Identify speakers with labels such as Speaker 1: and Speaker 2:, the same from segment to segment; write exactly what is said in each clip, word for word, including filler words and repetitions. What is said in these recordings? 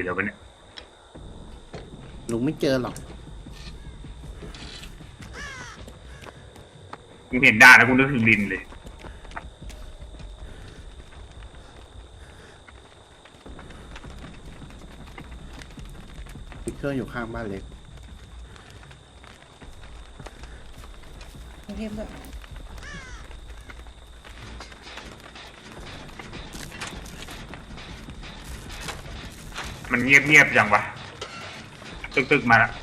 Speaker 1: แล้วเนี่ย
Speaker 2: ลุงไม่เจอหรอก
Speaker 1: กูเห็นด่าแล้วกูนึกถึงลินเลย
Speaker 2: มีเครื่องอยู่ข้างบ้านเล็ก
Speaker 3: เทพแบบ
Speaker 1: มันเงียบเงียบจังวะตึกตึกมาละ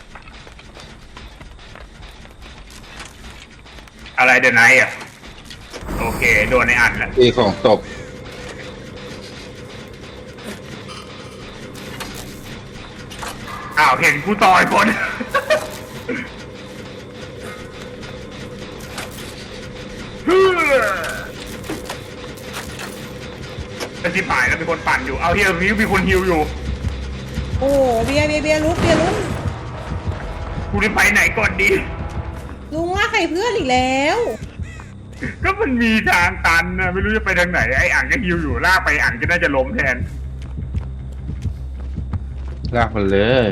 Speaker 1: อะไรเดนไนท์อ่ะโอเคโดนในอันแหละ
Speaker 4: ตีของตก
Speaker 1: อ้าวเห็นกูต่อยคนจะชิบหายแล้วมีคนปั่นอยู่เอาเฮียตรงนี้มีคนฮิวอยู่
Speaker 3: โอ้เบียร์เบียร์เบียร์ลุกเบียร์ลุก
Speaker 1: กูจะไปไหนก่อนดี
Speaker 3: ลุงว่าใครเพื่อนอีกแล้ว
Speaker 1: ก็มันมีทางตันนะไม่รู้จะไปทางไหนไอ้อ่างก็ฮิวอยู่ลากไปอ่างก็น่าจะล้มแทน
Speaker 4: ลากมันเลย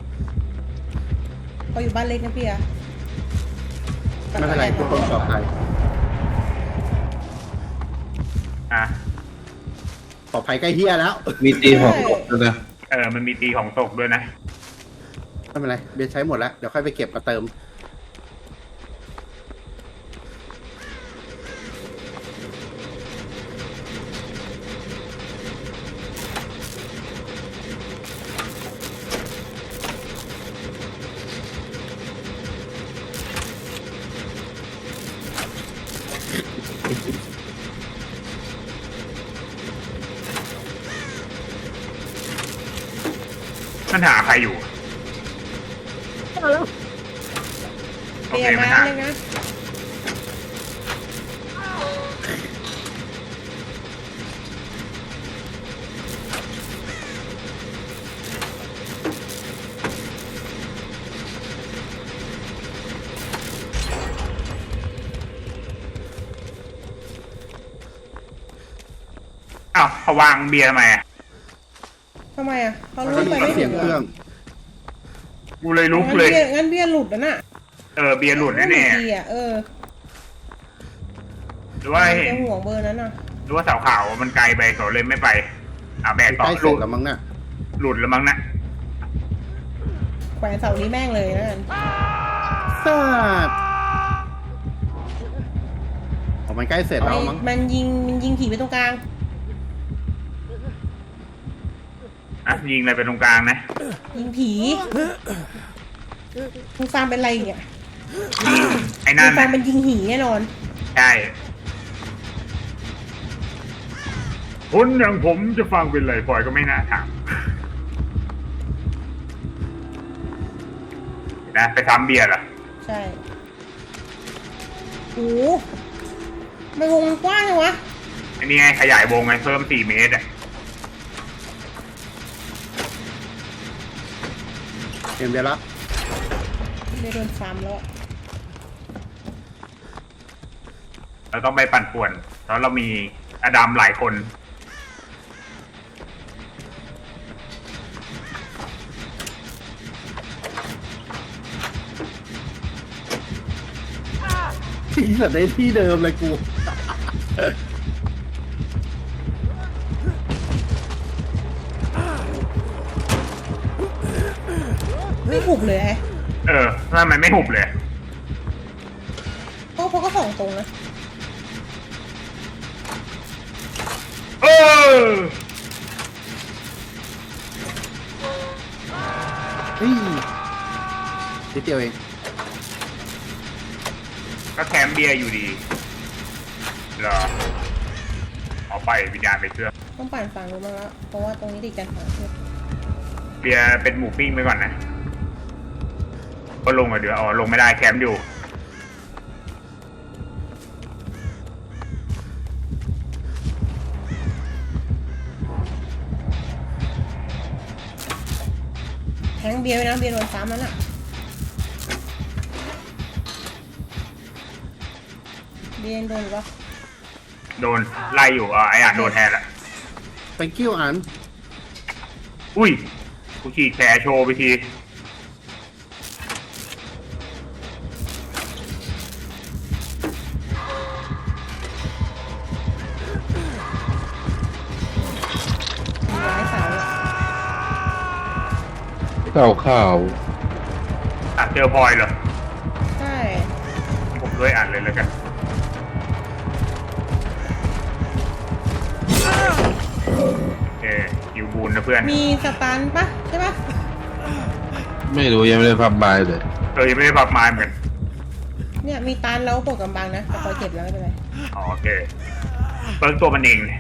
Speaker 3: เขาอยู่บ้านเล็กนะพี่อะ
Speaker 2: ไม่เป็นไรทุกคนปลอดภัย
Speaker 1: อ่ะ
Speaker 2: ปลอดภัยใกล้เฮียแล้ว
Speaker 4: มีตีของตกด้วยนะ
Speaker 1: เออมันมีตีของตกด้วยนะ
Speaker 2: ไม่เป็นไรเบียร์ใช้หมดแล้วเดี๋ยวค่อยไปเก็บมาเติม
Speaker 1: มันหาใครอยู่โอเค
Speaker 3: เบียร์มา
Speaker 1: มันหา
Speaker 3: เลยนะ
Speaker 1: อ้าวเขาวางเบียร์ทำไมอ่ะ
Speaker 3: ทำไมอะเขาลุกไปไม่
Speaker 2: เสี
Speaker 3: ถึ
Speaker 2: ยง
Speaker 3: ง
Speaker 2: เครื่อง
Speaker 1: กูเลยลุก
Speaker 3: งั้น
Speaker 1: เลย
Speaker 3: เบียร์งั้นเบียร์หลุดนะน่ะ
Speaker 1: เออเบียร์หลุดแน่ๆ
Speaker 3: ดีอะเออ
Speaker 1: หรือว่า
Speaker 3: เบียร์ห่วงเบอร์นั้นน่ะ
Speaker 1: หรือว่าเสาขาวมันไกลไปเขาเลยไม่ไปอ่าแบกต่อ
Speaker 2: ใกล้
Speaker 1: ห
Speaker 2: เสร็
Speaker 1: ลุ
Speaker 2: จ
Speaker 1: ด
Speaker 2: แล้วมั้งน่ะ
Speaker 1: หลุดแล้วมั้งนะ
Speaker 3: แขวนเสานี้แม่งเลยนะกัน
Speaker 2: ซาดออกมันใกล้เสร็จแล้วมั้ง
Speaker 3: มันยิงมันยิงผีไปตรงกลาง
Speaker 1: อ่ะยิงอะไรไปตรงกลางนะ
Speaker 3: ยิงผีมึงฟาร์มเป็นไรเนี่ย
Speaker 1: ไอ้นั่น
Speaker 3: ฟาร์มเป็นยิงหีแน่นอน
Speaker 1: ใช่คนอย่างผมจะฟังเป็นไรปล่อยก็ไม่น่าถามนะไปทำเบียร์เหรอ
Speaker 3: ใช่โอ้ไม่วงกว้างเลยวะ
Speaker 1: อันนี้ไงขยายวงไงเพิ่มสี่เมตรอ่ะ
Speaker 2: เห็นเบียร์ละ
Speaker 3: ไม่โดนฟาร์มแล้ว
Speaker 1: เราต้องไปปั่นป่วนเพราะเรามีอดัมหลายคน
Speaker 2: ที่สัตว์ในที่เดิมเลยกู
Speaker 3: ไม่หุบเลยไอ้
Speaker 1: เออทำไมไม่หุบเลย
Speaker 3: เพราะเขาก็ส่องตรงนะ
Speaker 1: เออ
Speaker 2: เฮ้ยนิดเดียวเอง
Speaker 1: ก็แคมเบียร์อยู่ดีเหรอเอาไปวิญญาณไปเชื่อ
Speaker 3: ต้องปั่นฝั่งนู้นมาแล้วเพราะว่าตรงนี้ติดกันฝั่งเพื่อ
Speaker 1: เบียร์เป็นหมูปิ้งไปก่อนนะก็ลงอ่ะเดี๋ยวอ๋อลงไม่ได้แคมป์อยู่
Speaker 3: แทงเบียร์ไปนะเบียร์โดนซ้ำแล้วน่ะเบียร์โดนหรือเปล่า
Speaker 1: โดนไล่อยู่อ่ะไอ้อ่านโดนแทนละ
Speaker 2: thank you อัน
Speaker 1: อุ้ยกูฉีดแผลโชว์ไปที
Speaker 3: มีไม้เสาอะ
Speaker 4: เต่าข่าว
Speaker 1: อ่ะเจอพลอยเหรอ
Speaker 3: ใช่
Speaker 1: ผมด้วยอ่านเลยแล้วกันโอเคคิวบูนนะเพื่อน
Speaker 3: มีสตันปะใช่ปะ
Speaker 4: ไม่รู้ยังไม่ได้พับบายเลย
Speaker 1: เออยังไม่ได้พับไม้เหมือนกัน
Speaker 3: เนี่ยมีตันแล้วปวดกำบังนะแต่พอเจ็บแล้วไม่เป็นไร
Speaker 1: อ๋อโอเคเปิ้ลตัวมันเองเนี่ย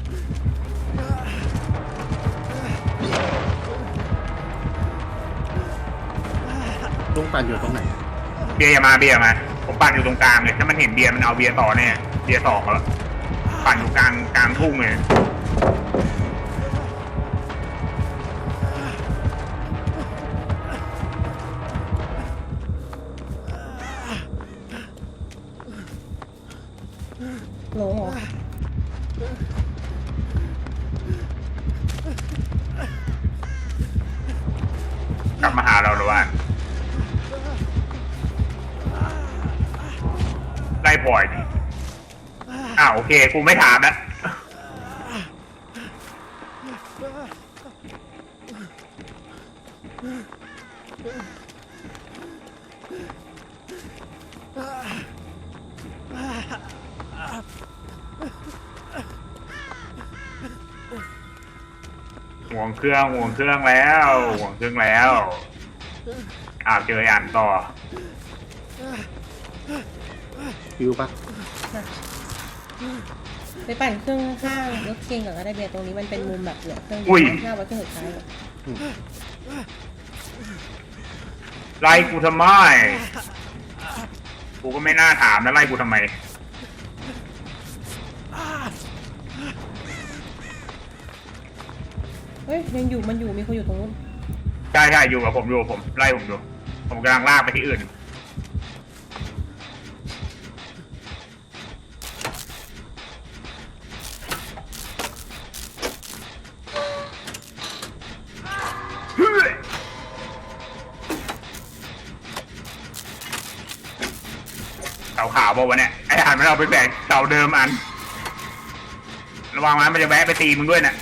Speaker 2: ลุงปั่นอยู่ตรงไหน
Speaker 1: เบียร์อย่ามาเบียร์มา ผมปั่นอยู่ตรงกลางเลยถ้ามันเห็นเบียร์มันเอาเบียร์ต่อแน่เบียร์สองแล้วปั่นอยู่กลางกลางทุ่งเลย
Speaker 3: หลงเหรอ
Speaker 1: กลับมาหาเราหรือว่าไล่พลอยดิอ้าวโอเคกูไม่ถามแล้วห่วงเครื่องห่วงเครื่องแล้วห่วงเครื่องแล้วอ้าวเจออ่านต่อ
Speaker 2: คิวปะ
Speaker 3: ไปปั่นเครื่องข้างรถเคนก่อนก็ได้เบียร์ตรงนี้มันเป็นมุมแบบเหลือเครื่องเดี
Speaker 1: อุ้ย
Speaker 3: ยวหน้าไว้เครื่องสุดท้ายอะ
Speaker 1: ไล่กูทำไมกูก็ไม่น่าถามนะไล่กูทำไม
Speaker 3: เฮ้ยยังอยู่มันอยู่มีคนอยู่ตรงนู้น
Speaker 1: ใช่ใช่อยู่กับผมอยู่กับผมไล่ผมอยู่ผมกำลังลากไปที่อื่นเฮ้ยเสาขาวบอกว่าวะเนี่ยไอ้อ่านมันเอาไปแบกเสาเดิมอันระวังนะมันจะแวะไปตีมึงด้วยเนี่ย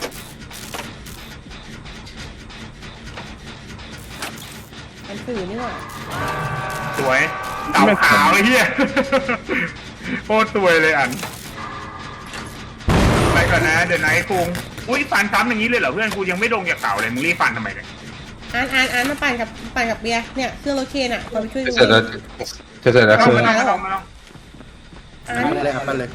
Speaker 3: มันสื่อนี่หว่า
Speaker 1: สวยเต่าขาวไอ้เหี้ย โคตรสวยเลยอันไปก่อนนะเดี๋ยวไหนคุงอุ้ยฟันซ้ำอย่างนี้เลยเหรอเพื่อนกูยังไม่ลงจากเต่าเลยมึงรีบฟันทำไมเนี่ย
Speaker 3: อ่านอ่านอ่านมาปั่นกับปั่นกับเบียร์เนี่ยเครื่องรถเคนอ่ะเราไปช่วย
Speaker 4: จะ
Speaker 3: ดู
Speaker 4: เสร็จแล้วจะเสร็จแล้ว
Speaker 1: เอา
Speaker 4: คือ
Speaker 1: มาลองมาลอง
Speaker 3: อ่าน
Speaker 2: ปั่นเลยครับปั่นเลย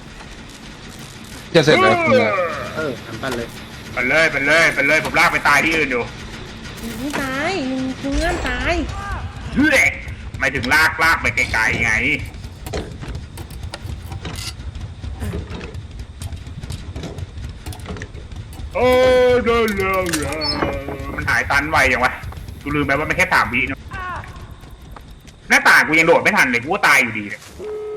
Speaker 4: จะเสร็จแล้วคือ
Speaker 2: เออทำปั่นเลย
Speaker 1: ไปเลยไปเลยไปเลยผมลากไปตายที่อื่นอยู่
Speaker 3: ไม่ตายมึงมึงง่ามตาย
Speaker 1: เฮ้ยไม่ถึงลากลากไปไกลๆไงโอ้เดลเลมันหายตันไวยังวะกูลืมไปว่ามันแค่สามวินะหน้าต่างกูยังโดดไม่ทันเลยกูก็ตายอยู่ดีเลย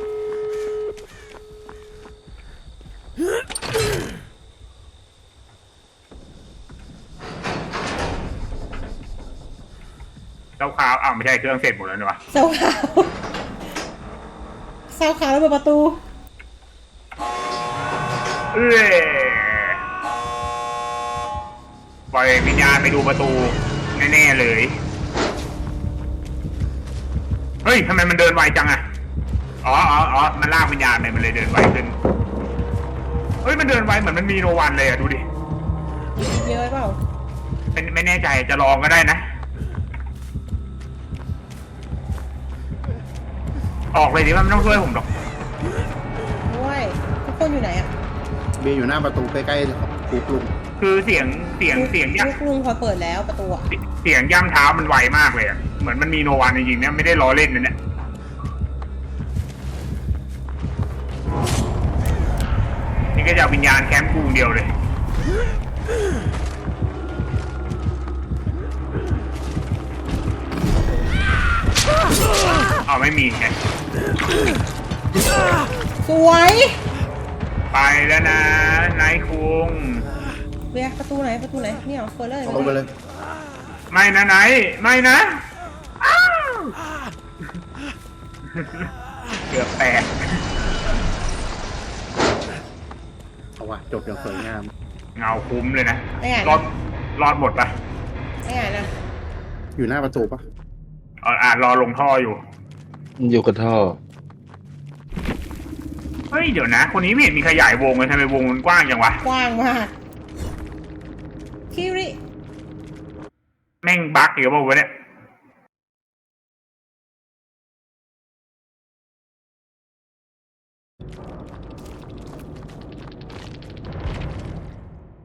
Speaker 1: เจ้าขาวอ้าวไม่ใช่เครื่องเสร็จหมดแล้วนี่วะ
Speaker 3: เสาขาวเสาขาวแล้วเปิดประตู
Speaker 1: เอ้ยปล่อยวิญญาณไปดูประตูแน่ๆเลย เฮ้ยทำไมมันเดินไวจังอะอ๋ออ๋ออ๋อมันลากวิญญาณไปมันเลยเดินไวขึ้น เฮ้ยมันเดินไวเหมือนมันมีโนวันเลยอะดูดิ
Speaker 3: เยอะไปเปล่า
Speaker 1: ไม่ไม่แน่ใจจะลองก็ได้นะ ออกเลยดิว่าไม่ต้องช่วยผมหรอก
Speaker 3: ด้วยทุกคนอยู่ไหนอ่ะ
Speaker 2: เบียร์อยู่หน้าประตูใกล้ๆของคุกลุง
Speaker 1: คือเสียงเสียงเสียงย่
Speaker 3: ลูกลุงพอเปิดแล้วประตูอ่ะ
Speaker 1: ำเสียงย่ำเท้ามันไวมากเลยอะเหมือนมันมีโนวันจริงๆเนี่ยไม่ได้ล้อเล่นนะเนี่ยนี่ก็จะเอาวิญญาณแคมป์กูเดียวเลยอ๋อไม่มีไง
Speaker 3: สวย
Speaker 1: ไปแล้วนะนายคุง
Speaker 3: เบียร์ประตูไหนประตูไหนเนี่ยเหรอเปิดเลย
Speaker 2: ลงไปเลย
Speaker 1: ไม่นะไหนไม่นะอ้าวเกือบแตก
Speaker 2: เอาว่ะจบอย่างสวยงาม
Speaker 1: เงาคุ้มเลยนะ
Speaker 3: ไม่อ่าน
Speaker 1: รอดรอดหมดปะ
Speaker 3: ไม่อ่านนะ
Speaker 2: อยู่หน้าประตูปะ
Speaker 1: เอออ่านรอลงท่ออยู่
Speaker 4: มันอยู่กับท่อ
Speaker 1: เฮ้ยเดี๋ยวนะ คนนี้ไม่เห็นมีขยายวงเลยทำไมวงมันกว้างจังวะ
Speaker 3: กว้างมากคิริ
Speaker 1: แม่งบั๊กหรือเปล่าวะเนี่ย